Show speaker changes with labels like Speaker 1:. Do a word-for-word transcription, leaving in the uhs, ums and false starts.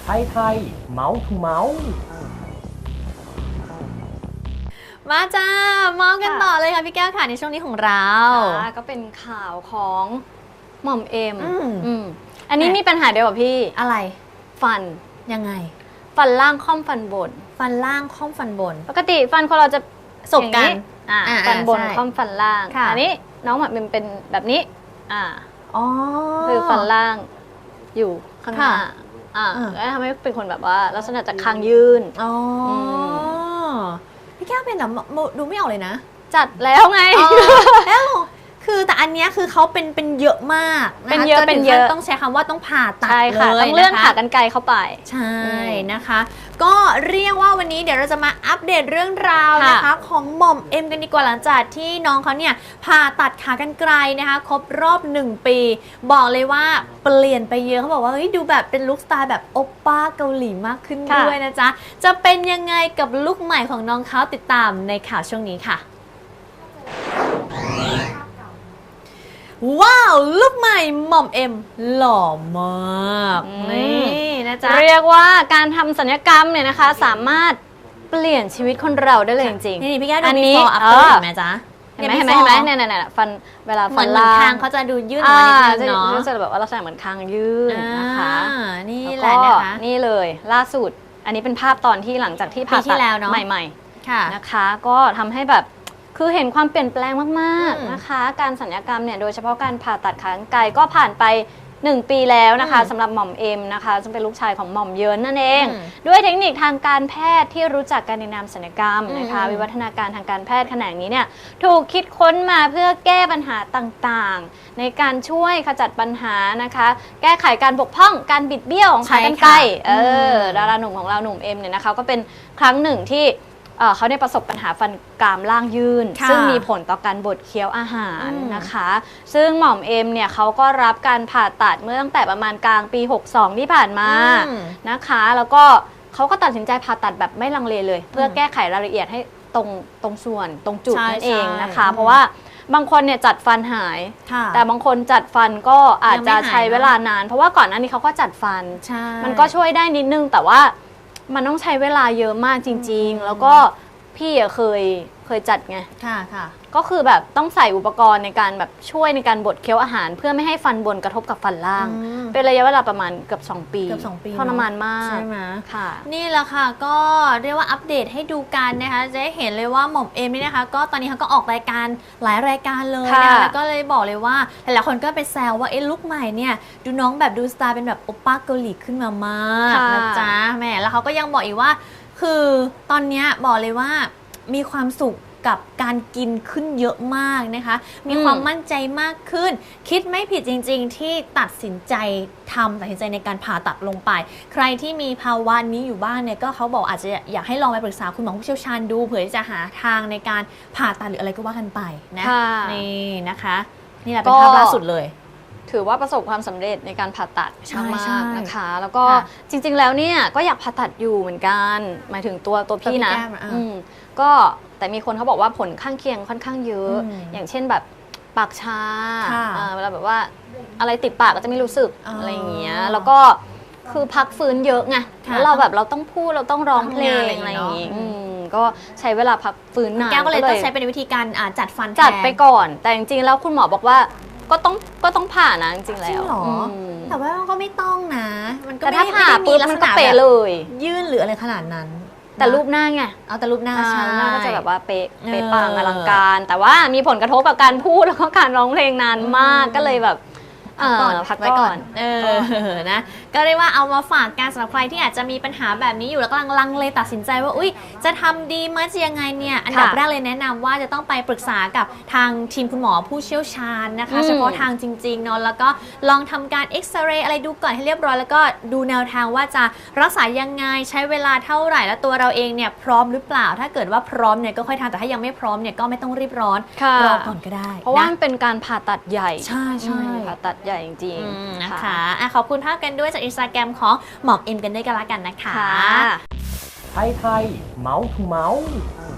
Speaker 1: ไทยไทยเมาส์ทูเมาส์
Speaker 2: มาจ้าเมาส์กันต่อเลยค่ะพี่แก้วค่ะในช่วงนี้ของเรา
Speaker 3: ก็เป็นข่าวของหม่อมเอ็มอืมอันนี้มีปัญหาเดียวกับพี่
Speaker 2: อะไร
Speaker 3: ฟัน
Speaker 2: ยังไง
Speaker 3: ฟันล่างค่อมฟันบน
Speaker 2: ฟันล่างค่อมฟันบน
Speaker 3: ปกติฟันคนเราจะ
Speaker 2: สบกัน
Speaker 3: ฟันบนค่อมฟันล่างอันนี้น้องหม่อมเอ็มเป็นแบบนี้อ่า
Speaker 2: อ๋อ
Speaker 3: คือฟันล่างอยู่ข้างหน้าอ่าแล้วทำให้เป็นคนแบบว่าลักษณะจะคางยืน
Speaker 2: อ๋อพี่แก้วเป็นเหรอดูไม่ออกเลยนะ
Speaker 3: จัดแล้วไง
Speaker 2: แล้วคือแต่อันนี้คือเขาเป็นเป็นเยอะมาก
Speaker 3: เป็นเยอะเป็นเยอะ
Speaker 2: ต้องใช้คำว่าต้องผ่าตัด
Speaker 3: เลยต้องเลื่อนขากรรไกรเข้าไป
Speaker 2: ใช่นะคะก็เรียกว่าวันนี้เดี๋ยวเราจะมาอัปเดตเรื่องราวนะคะของหม่อมเอ็มกันดีกว่าหลังจากที่น้องเขาเนี่ยผ่าตัดขากรรไกรนะคะครบรอบหนึ่งปีบอกเลยว่าเปลี่ยนไปเยอะเขาบอกว่าเฮ้ยดูแบบเป็นลุคสไตล์แบบโอปป้าเกาหลีมากขึ้นด้วยนะจ๊ะจะเป็นยังไงกับลุคใหม่ของน้องเขาติดตามในข่าวช่วงนี้ค่ะว้าวลุคใหม่หม่อมเอ็มหล่อมากนี่นะจ๊ะ
Speaker 3: เรียกว่าการทำศัลยกรรมเนี่ยนะคะสามารถเปลี่ยนชีวิตคนเราได้เลยจริง
Speaker 2: ๆนี่พี่แก้วดูมีฟอร์อัพเตอร์เห็นไหมจ๊ะ
Speaker 3: เห็นไหมเห็นไหมเห็นไหมเนี่ยเนี่ยฟันเวลาฟันล่าง
Speaker 2: คางเขาจะดูยื่นออกมานิดนึงเนาะ
Speaker 3: จะแบบว่าลักษณะเหมือนคางยื่นนะคะ
Speaker 2: นี่แหละนะคะ
Speaker 3: นี่เลยล่าสุดอันนี้เป็นภาพตอนที่หลังจากที่ผ่าตัดใหม่ๆนะคะก็ทำให้แบบคือเห็นความเปลี่ยนแปลงมากๆนะคะการศัลยกรรมเนี่ยโดยเฉพาะการผ่าตัดขากรรไกรก็ผ่านไปหนึ่งปีแล้วนะคะสำหรับหม่อมเอ็มนะคะซึ่งเป็นลูกชายของหม่อมเยินนั่นเองด้วยเทคนิคทางการแพทย์ที่รู้จักกันในนามศัลยกรรมนะคะวิวัฒนาการทางการแพทย์แขนงนี้เนี่ยถูกคิดค้นมาเพื่อแก้ปัญหาต่างๆในการช่วยขจัดปัญหานะคะแก้ไขการบกพร่องการบิดเบี้ยวของขากรรไกรเออดาราหนุ่มของเราหนุ่มเอ็มเนี่ยนะคะก็เป็นครั้งหนึ่งที่เขาได้ประสบปัญหาฟันกรามล่างยื่นซึ่งมีผลต่อการบดเคี้ยวอาหารนะคะซึ่งหม่อมเอ็มเนี่ยเขาก็รับการผ่าตัดเมื่อตั้งแต่ประมาณกลางปีหกสองที่ผ่านมานะคะแล้วก็เขาก็ตัดสินใจผ่าตัดแบบไม่ลังเลเลยเพื่อแก้ไขรายละเอียดให้ตรงตรงส่วนตรงจุดนั่นเองนะคะเพราะว่าบางคนเนี่ยจัดฟันหายแต่บางคนจัดฟันก็อาจจะใช้เวลานานเพราะว่าก่อนหน้านี้เขาก็จัดฟันมันก็ช่วยได้นิดนึงแต่ว่ามันต้องใช้เวลาเยอะมากจริงๆแล้วก็พี่เคยเคยจัดไง
Speaker 2: ค่ะค่ะ
Speaker 3: ก็คือแบบต้องใส่อุปกรณ์ในการแบบช่วยในการบดเคี้ยวอาหารเพื่อไม่ให้ฟันบนกระทบกับฟันล่างเป็นระยะเวลาประมาณเกือบสองปี
Speaker 2: เกือบสองปี
Speaker 3: ทรมานมาก
Speaker 2: ใช่ไหม
Speaker 3: ค่ะ
Speaker 2: นี่แหละค่ะก็เรียกว่าอัปเดตให้ดูกันนะคะจะได้เห็นเลยว่าหม่อมเอ็มนี่นะคะก็ตอนนี้เขาก็ออกรายการหลายรายการเลยนะคะแล้วก็เลยบอกเลยว่าหลายๆคนก็ไปแซวว่าเอ๊ะลุคใหม่เนี่ยดูน้องแบบดูสไตล์เป็นแบบโอป้าเกาหลีขึ้นมามากนะจ๊ะแม่แล้วเขาก็ยังบอกอีกว่าคือตอนนี้บอกเลยว่ามีความสุขกับการกินขึ้นเยอะมากนะคะมีความมั่นใจมากขึ้นคิดไม่ผิดจริงๆที่ตัดสินใจทำตัดสินใจในการผ่าตัดลงไปใครที่มีภาวะนี้อยู่บ้างเนี่ยก็เขาบอกอาจจะอยากให้ลองไปปรึกษาคุณหมอผู้เชี่ยวชาญดูเผื่อที่จะหาทางในการผ่าตัดหรืออะไรก็ว่ากันไปนะนี่นะคะนี่แหละเป็นภาพล่าสุดเลย
Speaker 3: ถือว่าประสบความสำเร็จในการผ่าตัดมากๆนะคะแล้วก็จริงๆแล้วเนี่ยก็อยากผ่าตัดอยู่เหมือนกันหมายถึงตัวตัวพี่นะก็แต่มีคนเขาบอกว่าผลข้างเคียงค่อนข้างเยอะอย่างเช่นแบบปากชาเวลาแบบว่าอะไรติดปากก็จะไม่รู้สึกอะไรอย่างเงี้ยแล้วก็คือพักฟื้นเยอะไงแล้วเราแบบเราต้องพูดเราต้องร้องเพลงอะไรอย่างงี้ก็ใช้เวลาพักฟื้นนาน
Speaker 2: แก้วก็เลยต้องใช้เป็นวิธีการจัดฟัน
Speaker 3: จัดไปก่อนแต่จริงๆแล้วคุณหมอบอกว่าก็ต้องก็ต้องผ่านะจริงๆแล้ว
Speaker 2: แต่ว่าก็ไม่ต้องนะ
Speaker 3: มันก็ถ้าผ่าปุ๊บมันก็เป๊ะเลย
Speaker 2: ยื่นหรืออะไรขนาดนั้น
Speaker 3: แต่รูปหน้าไง
Speaker 2: เอาแต่รูปหน้า
Speaker 3: ใช่หน้าก็จะแบบว่าเป๊ะเป๊ะปังอลังการแต่ว่ามีผลกระทบกับการพูดแล้วก็การร้องเพลงนานมากก็เลยแบบ
Speaker 2: พักไว้ก่อนเออนะก็เรียกว่าเอามาฝากการสำหรับใครที่อาจจะมีปัญหาแบบนี้อยู่แล้วกำลังลังเลตัดสินใจว่าอุ้ยจะทำดีมั้ยจะยังไงเนี่ยอันดับแรกเลยแนะนำว่าจะต้องไปปรึกษากับทางทีมคุณหมอผู้เชี่ยวชาญนะคะเฉพาะทางจริงๆเนาะแล้วก็ลองทำการเอ็กซเรย์อะไรดูก่อนให้เรียบร้อยแล้วก็ดูแนวทางว่าจะรักษายังไงใช้เวลาเท่าไหร่แล้วตัวเราเองเนี่ยพร้อมหรือเปล่าถ้าเกิดว่าพร้อมเนี่ยก็ค่อยทำแต่ถ้ายังไม่พร้อมเนี่ยก็ไม่ต้องรีบร้อนรอก่อนก็ได้
Speaker 3: เพราะว่ามันเป็นการผ่าตัดใหญ่
Speaker 2: ใช่ใช่
Speaker 3: ผ่าตัดใหญ่จริง
Speaker 2: ๆนะคะขอบคุณภาพกันด้วยจากอินสตาแกรมของหมอมเอ็มกันด้วยกันละกันนะคะ
Speaker 1: ไทยไทยเมาส์ทูเมาส์